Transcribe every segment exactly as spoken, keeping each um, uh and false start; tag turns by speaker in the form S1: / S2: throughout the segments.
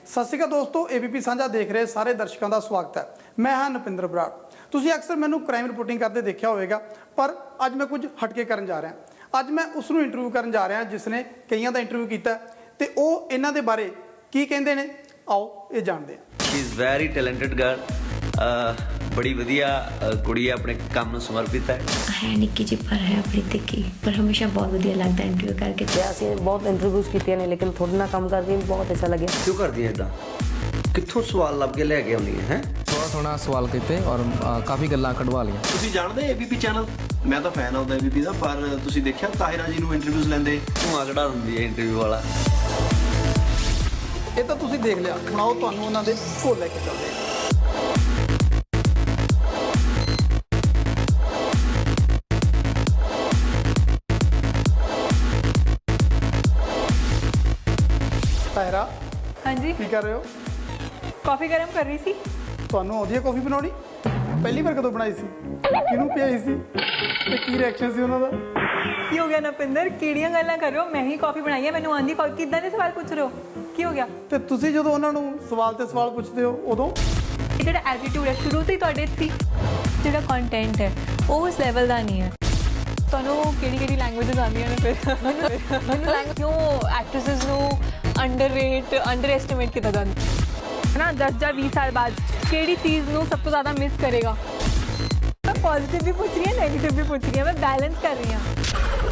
S1: सत श्री अकाल दोस्तों, एबीपी साझा देख रहे सारे दर्शकों का स्वागत है। मैं हाँ नपिंदर बराड़। तुसीं अक्सर मैनू क्राइम रिपोर्टिंग करते देखा होगा, पर अज मैं कुछ हटके करन जा रहा। अज मैं उसनूं इंटरव्यू करन जा रहा जिसने कईयां दा इंटरव्यू किया ते ओह इन्हां दे बारे की कहंदे ने, आओ ये जानते हैं।
S2: She is very talented girl, बड़ी वधिया कुड़ी है, अपने काम में समर्पित है।
S3: है निक्की जी पर है अपनी तिक्की, पर हमेशा बहुत वधिया लगता है इंटरव्यू करके।
S4: ਅਸੀਂ ਬਹੁਤ ਇੰਟਰਵਿਊਜ਼ ਕੀਤੀਆਂ ਨੇ, ਲੇਕਿਨ ਤੁਹਾਡੇ ਨਾਲ ਕੰਮ ਕਰਕੇ ਵੀ ਬਹੁਤ ਅੱਛਾ ਲੱਗਿਆ।
S2: क्यों कर दिया इदा? कित्थों सवाल लभ के लेके आउंदी है?
S5: थोड़ा थोड़ा सवाल कीते और काफ़ी गल्लां कढवा लीਆਂ।
S6: ਤੁਸੀਂ ਜਾਣਦੇ ਏਬੀਪੀ ਚੈਨਲ? ਮੈਂ ਤਾਂ ਫੈਨ ਆਉਂਦਾ ਏਬੀਪੀ ਦਾ, ਪਰ ਤੁਸੀਂ ਦੇਖਿਆ ਤਾਹਿਰਾ ਜੀ ਨੂੰ ਇੰਟਰਵਿਊਜ਼ ਲੈਂਦੇ?
S2: ਧੂਆਂ ਕਢਾ ਦਿੰਦੀ ਹੈ ਇੰਟਰਵਿਊ ਵਾਲਾ।
S1: ਇਹ ਤਾਂ ਤੁਸੀਂ ਦੇਖ ਲਿਆ, ਹੁਣ ਆਓ ਤੁਹਾਨੂੰ ਉਹਨਾਂ ਦੇ ਕੋਲ ਲੈ ਕੇ ਚੱਲਦੇ ਹਾਂ। ताहिरा,
S7: हाँ जी,
S1: की कर रहे हो?
S7: कॉफ़ी गर्म कर रही सी।
S1: ਤੁਹਾਨੂੰ ਆਉਂਦੀ ਹੈ ਕੌਫੀ ਬਣਾਉਣੀ? ਪਹਿਲੀ ਵਾਰ ਕਦੋਂ ਬਣਾਈ ਸੀ? ਕਿਹਨੂੰ ਪਿਆਈ ਸੀ ਤੇ ਕੀ ਰਿਐਕਸ਼ਨ ਸੀ ਉਹਨਾਂ ਦਾ?
S7: की हो गया नपिंदर, किहड़ियां गल्लां कर रहे हो? मैं ही कॉफ़ी बनाई है, मैनू आंदी कॉफ़ी। किदां दे सवाल पूछ रहे हो? की हो गया?
S1: ਤੇ ਤੁਸੀਂ ਜਦੋਂ ਉਹਨਾਂ ਨੂੰ ਸਵਾਲ ਤੇ ਸਵਾਲ ਪੁੱਛਦੇ ਹੋ ਉਦੋਂ
S7: ਇਹ ਜਿਹੜਾ ਐਟੀਟਿਊਡ ਹੈ ਸ਼ੁਰੂ ਤੋਂ ਹੀ ਤੁਹਾਡੇ ਸੀ, ਜਿਹੜਾ ਕੰਟੈਂਟ ਹੈ ਉਹ ਉਸ ਲੈਵਲ ਦਾ ਨਹੀਂ ਹੈ। ਤੁਹਾਨੂੰ ਕਿਹੜੀ ਕਿਹੜੀ ਲੈਂਗੁਏਜਸ ਆਉਂਦੀਆਂ ਨੇ? ਫਿਰ ਮੈਨੂੰ ਲੈਂਗੁਏਜ ਕਿਉਂ ਐਕਟ੍ਰੈਸਿਸ ਨੂੰ ਅੰਡਰਰੇਟ ਅੰਡਰ ਐਸਟੀਮੇਟ ਕੀਤਾ ਜਾਂਦਾ ਹੈ ਨਾ? ਦਸ ਜਾਂ ਵੀਹ ਸਾਲ ਬਾਅਦ ਕਿਹੜੀ ਚੀਜ਼ ਨੂੰ ਸਭ ਤੋਂ ਜ਼ਿਆਦਾ ਮਿਸ ਕਰੇਗਾ? ਮੈਂ ਪੋਜ਼ਿਟਿਵ ਵੀ ਪੁੱਛ ਰਹੀ ਹਾਂ, ਨੈਗੇਟਿਵ ਵੀ ਪੁੱਛ ਰਹੀ ਹਾਂ, ਮੈਂ ਬੈਲੈਂਸ ਕਰ ਰਹੀ ਹਾਂ।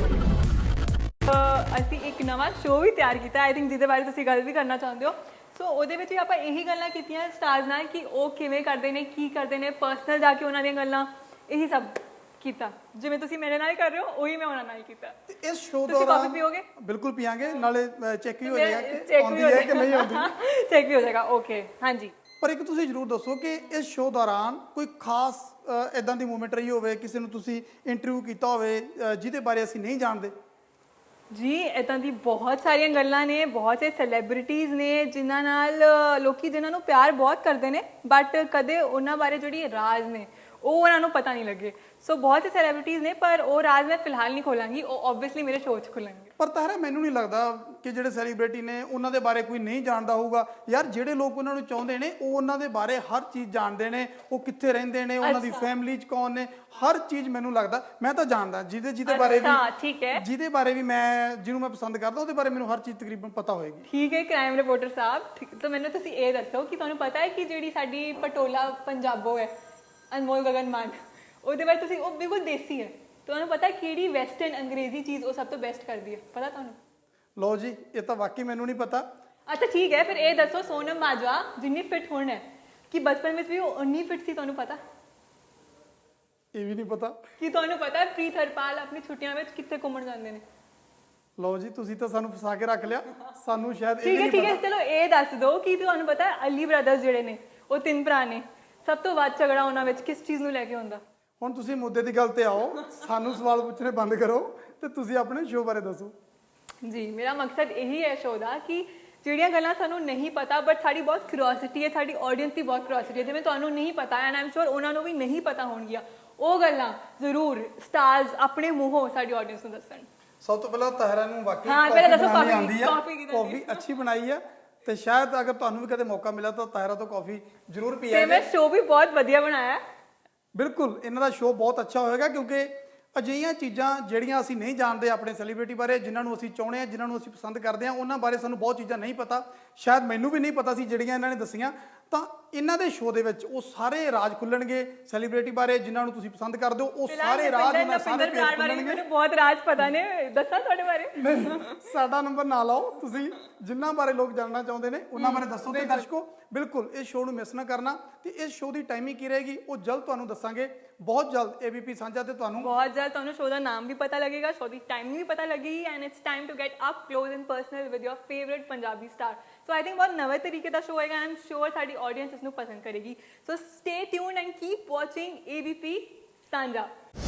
S7: ਅਸੀਂ ਇੱਕ ਨਵਾਂ ਸ਼ੋਅ ਵੀ ਤਿਆਰ ਕੀਤਾ, ਆਈ ਥਿੰਕ ਜਿਹਦੇ ਬਾਰੇ ਤੁਸੀਂ ਗੱਲ ਵੀ ਕਰਨਾ ਚਾਹੁੰਦੇ ਹੋ। ਸੋ ਉਹਦੇ ਵਿੱਚ ਵੀ ਆਪਾਂ ਇਹੀ ਗੱਲਾਂ ਕੀਤੀਆਂ ਸਟਾਰਸ ਨਾਲ ਕਿ ਉਹ ਕਿਵੇਂ ਕਰਦੇ ਨੇ, ਕੀ ਕਰਦੇ ਨੇ, ਪਰਸਨਲ ਜਾ ਕੇ ਉਹਨਾਂ ਦੀਆਂ ਗੱਲਾਂ, ਇਹੀ ਸਭ ਕੀਤਾ। ਜਿਵੇਂ ਤੁਸੀਂ ਮੇਰੇ ਨਾਲ ਕਰ ਰਹੇ ਹੋ, ਉਹੀ ਮੈਂ ਉਹਨਾਂ ਨਾਲ ਕੀਤਾ।
S1: ਇਸ ਸ਼ੋਅ
S7: ਤੁਸੀਂ
S1: ਦੌਰਾਨ
S7: ਕਾਫੀ ਪੀਓਗੇ?
S1: ਬਿਲਕੁਲ ਪੀਾਂਗੇ, ਨਾਲੇ ਚੈੱਕ ਵੀ ਹੋ ਜਾਏਗਾ ਕਿ
S7: ਚੈੱਕ
S1: ਆਉਂਦੀ
S7: ਵੀ ਹੋ
S1: ਹੈ ਕਿ ਨਹੀਂ ਆਉਂਦੀ।
S7: ਚੈੱਕ ਵੀ ਹੋ ਜਾਏਗਾ। ਓਕੇ, ਹਾਂਜੀ।
S1: ਪਰ ਇੱਕ ਤੁਸੀਂ ਜ਼ਰੂਰ ਦੱਸੋ ਕਿ ਇਸ ਸ਼ੋਅ ਦੌਰਾਨ ਕੋਈ ਖਾਸ ਇਦਾਂ ਦੀ ਮੂਵਮੈਂਟ ਰਹੀ ਹੋਵੇ, ਕਿਸੇ ਨੂੰ ਤੁਸੀਂ ਇੰਟਰਵਿਊ ਕੀਤਾ ਹੋਵੇ ਜਿਹਦੇ ਬਾਰੇ ਅਸੀਂ ਨਹੀਂ ਜਾਣਦੇ?
S7: ਜੀ ਇੱਦਾਂ ਦੀ ਬਹੁਤ ਸਾਰੀਆਂ ਗੱਲਾਂ ਨੇ, ਬਹੁਤ ਸੇ ਸੈਲੀਬ੍ਰਿਟੀਜ਼ ਨੇ ਜਿਨ੍ਹਾਂ ਨਾਲ ਲੋਕੀ ਜਿਨ੍ਹਾਂ ਨੂੰ ਪਿਆਰ ਬਹੁਤ ਕਰਦੇ ਨੇ, ਬਟ ਕਦੇ ਉਹਨਾਂ ਬਾਰੇ ਜਿਹੜੀ ਰਾਜ਼ ਨੇ ਉਹ ਉਹਨਾਂ ਨੂੰ ਪਤਾ ਨਹੀਂ ਲੱਗੇ। ਸੋ ਬਹੁਤ ਸੇ ਸੈਲੀਬ੍ਰਿਟੀਜ਼ ਨੇ, ਪਰ ਉਹ ਰਾਜ਼ ਮੈਂ ਫਿਲਹਾਲ ਨਹੀਂ ਖੋਲਾਂਗੀ, ਉਹ ਓਬਵੀਅਸਲੀ ਮੇਰੇ ਸ਼ੋਅ 'ਚ ਖੁੱਲਣਗੇ।
S1: ਪਰ ਤਾਹਿਰਾ, ਮੈਨੂੰ ਨਹੀਂ ਲੱਗਦਾ ਕਿ ਜਿਹੜੇ ਸੈਲੀਬ੍ਰਿਟੀ ਨੇ ਉਹਨਾਂ ਦੇ ਬਾਰੇ ਕੋਈ ਨਹੀਂ ਜਾਣਦਾ ਹੋਊਗਾ। ਯਾਰ ਜਿਹੜੇ ਲੋਕ ਉਹਨਾਂ ਨੂੰ ਚਾਹੁੰਦੇ ਨੇ ਉਹ ਉਹਨਾਂ ਦੇ ਬਾਰੇ ਹਰ ਚੀਜ਼ ਜਾਣਦੇ ਨੇ, ਉਹ ਕਿੱਥੇ ਰਹਿੰਦੇ ਨੇ, ਉਹਨਾਂ ਦੀ ਫੈਮਿਲੀ 'ਚ ਕੌਣ ਨੇ, ਹਰ ਚੀਜ਼ ਮੈਨੂੰ ਲੱਗਦਾ ਮੈਂ ਤਾਂ ਜਾਣਦਾ। ਜਿਹਦੇ ਜਿਹਦੇ ਬਾਰੇ ਵੀ
S7: ਠੀਕ ਹੈ,
S1: ਜਿਹਦੇ ਬਾਰੇ ਵੀ ਮੈਂ ਜਿਹਨੂੰ ਮੈਂ ਪਸੰਦ ਕਰਦਾ ਉਹਦੇ ਬਾਰੇ ਮੈਨੂੰ ਹਰ ਚੀਜ਼ ਤਕਰੀਬਨ ਪਤਾ ਹੋਏਗੀ।
S7: ਠੀਕ ਹੈ ਕ੍ਰਾਈਮ ਰਿਪੋਰਟਰ ਸਾਹਿਬ। ਤਾਂ ਮੈਨੂੰ ਤੁਸੀਂ ਇਹ ਦੱਸੋ ਕਿ ਤੁਹਾਨੂੰ ਪਤਾ ਹੈ ਕਿ ਜਿਹੜੀ ਸਾਡੀ ਪਟੋਲਾ ਪੰਜਾਬੋ ਹੈ, ਅਨਮੋਲ ਗਗਨ ਮਾਨ, ਉਹਦੇ ਬਾਰੇ ਤੁਸੀਂ, ਉਹ ਬਿਲਕੁਲ ਦੇਸੀ ਹੈ, ਤੁਹਾਨੂੰ ਪਤਾ ਕਿਹੜੀ ਵੈਸਟਰਨ ਅੰਗਰੇਜ਼ੀ ਚੀਜ਼ ਉਹ ਸਭ ਤੋਂ ਬੈਸਟ ਕਰਦੀ ਹੈ? ਪਤਾ ਤੁਹਾਨੂੰ?
S1: ਲਓ ਜੀ, ਇਹ ਤਾਂ ਵਾਕਈ ਮੈਨੂੰ ਨਹੀਂ ਪਤਾ।
S7: ਅੱਛਾ ਠੀਕ ਹੈ, ਫਿਰ ਇਹ ਦੱਸੋ ਸੋਨਮ ਬਾਜਵਾ ਜਿੰਨੀ ਫਿੱਟ ਹੁਣ ਹੈ, ਕਿ ਬਚਪਨ ਵਿੱਚ ਵੀ ਉਹ ਉਨੀ ਫਿੱਟ ਸੀ? ਤੁਹਾਨੂੰ ਪਤਾ?
S1: ਇਹ ਵੀ ਨਹੀਂ ਪਤਾ।
S7: ਕੀ ਤੁਹਾਨੂੰ ਪਤਾ ਪ੍ਰੀਤ ਹਰਪਾਲ ਆਪਣੀ ਛੁੱਟੀਆਂ ਵਿੱਚ ਕਿੱਥੇ ਘੁੰਮਣ ਜਾਂਦੇ ਨੇ?
S1: ਲਓ ਜੀ, ਤੁਸੀਂ ਤਾਂ ਸਾਨੂੰ ਫਸਾ ਕੇ ਰੱਖ ਲਿਆ, ਸਾਨੂੰ ਸ਼ਾਇਦ ਇਹ
S7: ਠੀਕ ਹੈ
S1: ਨਹੀਂ
S7: ਠੀਕ ਹੈ,
S1: ਪਤਾ।
S7: ਚਲੋ ਇਹ ਦੱਸ ਦਿਓ ਕਿ ਤੁਹਾਨੂੰ ਪਤਾ ਅਲੀ ਬ੍ਰਦਰਸ ਜਿਹੜੇ ਨੇ, ਉਹ ਤਿੰਨ ਭਰਾ ਨੇ, ਸਭ ਤੋਂ ਵੱਧ ਝਗੜਾ ਉਹਨਾਂ ਵਿੱਚ ਕਿਸ ਚੀਜ਼ ਨੂੰ ਲੈ ਕੇ ਹੁੰਦਾ?
S1: ਹੁਣ ਤੁਸੀਂ ਮੁੱਦੇ ਦੀ ਗੱਲ ਤੇ ਆਓ, ਸਾਨੂੰ ਸਵਾਲ ਪੁੱਛਣੇ ਬੰਦ ਕਰੋ ਤੇ ਤੁਸੀਂ ਆਪਣੇ ਸ਼ੋਅ ਬਾਰੇ ਦੱਸੋ।
S7: ਜੀ, ਮੇਰਾ ਮਕਸਦ ਇਹੀ ਹੈ ਸ਼ੋਅ ਦਾ ਕਿ ਜਿਹੜੀਆਂ ਗੱਲਾਂ ਸਾਨੂੰ ਨਹੀਂ ਪਤਾ ਬਟ ਸਾਡੀ ਬਹੁਤ ਕਿਉਰਿਓਸਿਟੀ ਹੈ, ਸਾਡੀ ਆਡੀਅנס ਦੀ ਬਹੁਤ ਕਿਉਰਿਓਸਿਟੀ ਹੈ, ਜਿਵੇਂ ਤੁਹਾਨੂੰ ਨਹੀਂ ਪਤਾ ਐਂਡ ਆਮ ਸ਼ੋਰ ਉਹਨਾਂ ਨੂੰ ਵੀ ਨਹੀਂ ਪਤਾ ਹੋਣਗੀਆਂ, ਉਹ ਗੱਲਾਂ ਜ਼ਰੂਰ ਸਟਾਰਸ ਆਪਣੇ ਮੂੰਹੋਂ ਸਾਡੀ ਆਡੀਅנס ਨੂੰ ਦੱਸਣ।
S1: ਸਭ ਤੋਂ ਪਹਿਲਾਂ ਤਾਹਿਰਾ ਨੂੰ ਵਾਕਈ
S7: ਹਾਂ, ਪਹਿਲਾਂ ਦੱਸੋ
S1: ਬਣਾਉਣੀ
S7: ਕਾਫੀ
S1: ਆਉਂਦੀ ਹੈ,
S7: ਕਾਫੀ ਕਿਦਾਂ
S1: ਕਾਫੀ ਅੱਛੀ ਬਣਾਈ ਹੈ, ਤੇ ਸ਼ਾਇਦ ਅਗਰ ਤੁਹਾਨੂੰ ਵੀ ਕਦੇ ਮੌਕਾ ਮਿਲਿਆ ਤਾਂ ਤਾਹਿਰਾ ਤੋਂ ਕਾਫੀ ਜ਼ਰੂਰ
S7: ਤੇ
S1: ਪੀਆ
S7: ਮੈਂ ਸ਼ੋਅ ਵੀ ਬਹੁਤ ਵਧੀਆ ਬਣਾਇਆ ਹੈ।
S1: ਬਿਲਕੁਲ, ਇਹਨਾਂ ਦਾ ਸ਼ੋਅ ਬਹੁਤ ਅੱਛਾ ਹੋਏਗਾ, ਕਿਉਂਕਿ ਅਜਿਹੀਆਂ ਚੀਜ਼ਾਂ ਜਿਹੜੀਆਂ ਅਸੀਂ ਨਹੀਂ ਜਾਣਦੇ ਆਪਣੇ ਸੈਲੀਬ੍ਰਿਟੀ ਬਾਰੇ, ਜਿਨ੍ਹਾਂ ਨੂੰ ਅਸੀਂ ਚਾਹੁੰਦੇ ਹਾਂ, ਜਿਨ੍ਹਾਂ ਨੂੰ ਅਸੀਂ ਪਸੰਦ ਕਰਦੇ ਹਾਂ, ਉਹਨਾਂ ਬਾਰੇ ਸਾਨੂੰ ਬਹੁਤ ਚੀਜ਼ਾਂ ਨਹੀਂ ਪਤਾ। ਸ਼ਾਇਦ ਮੈਨੂੰ ਵੀ ਨਹੀਂ ਪਤਾ ਸੀ ਜਿਹੜੀਆਂ ਇਹਨਾਂ ਨੇ ਦੱਸੀਆਂ। ਤਾਂ ਇਹਨਾਂ ਦੇ ਸ਼ੋਅ ਦੇ ਵਿੱਚ ਉਹ ਸਾਰੇ ਰਾਜ ਖੁੱਲਣਗੇ ਸੈਲੀਬ੍ਰਿਟੀ ਬਾਰੇ, ਜਿਨ੍ਹਾਂ ਨੂੰ ਤੁਸੀਂ ਪਸੰਦ ਕਰਦੇ ਹੋ, ਉਹ ਸਾਰੇ ਰਾਜ ਉਹਨਾਂ ਸਾਰੇ ਭੇਦ ਖੁੱਲਣਗੇ।
S7: ਮੈਨੂੰ ਬਹੁਤ ਰਾਜ ਪਤਾ ਨੇ, ਦੱਸਾਂ ਤੁਹਾਡੇ ਬਾਰੇ?
S1: ਨਹੀਂ, ਸਾਡਾ ਨੰਬਰ ਨਾ ਲਾਓ, ਤੁਸੀਂ ਜਿਨ੍ਹਾਂ ਬਾਰੇ ਲੋਕ ਜਾਣਨਾ ਚਾਹੁੰਦੇ ਨੇ ਉਹਨਾਂ ਬਾਰੇ ਦੱਸੋ। ਤੇ ਦਰਸ਼ਕੋ, ਬਿਲਕੁਲ ਇਸ ਸ਼ੋਅ ਨੂੰ ਮਿਸ ਨਾ ਕਰਨਾ। ਤੇ ਇਸ ਸ਼ੋਅ ਦੀ ਟਾਈਮਿੰਗ ਕੀ ਰਹੇਗੀ ਉਹ ਜਲਦ ਤੁਹਾਨੂੰ ਦੱਸਾਂਗੇ, ਬਹੁਤ ਜਲਦ ਏਬੀਪੀ ਸਾਂਝਾ ਤੇ ਤੁਹਾਨੂੰ
S7: ਬਹੁਤ ਜਲਦ ਤੁਹਾਨੂੰ ਸ਼ੋਅ ਦਾ ਨਾਮ ਵੀ ਪਤਾ ਲੱਗੇਗਾ, ਸ਼ੋਅ ਦੀ ਟਾਈਮਿੰਗ ਵੀ ਪਤਾ ਲੱਗੇਗੀ, and it's time to get up close and personal with your favourite Punjabi star. So I think ਬਹੁਤ ਨਵੇਂ ਤਰੀਕੇ ਦਾ ਸ਼ੋਅ ਹੋਏਗਾ, ਆਈ ਐਮ ਸ਼ੋਰ ਸਾਡੀ ਆਡੀਅנס ਇਸ ਨੂੰ ਪਸੰਦ ਕਰੇਗੀ। So stay tuned and keep watching ABP ਸਾਂਝਾ।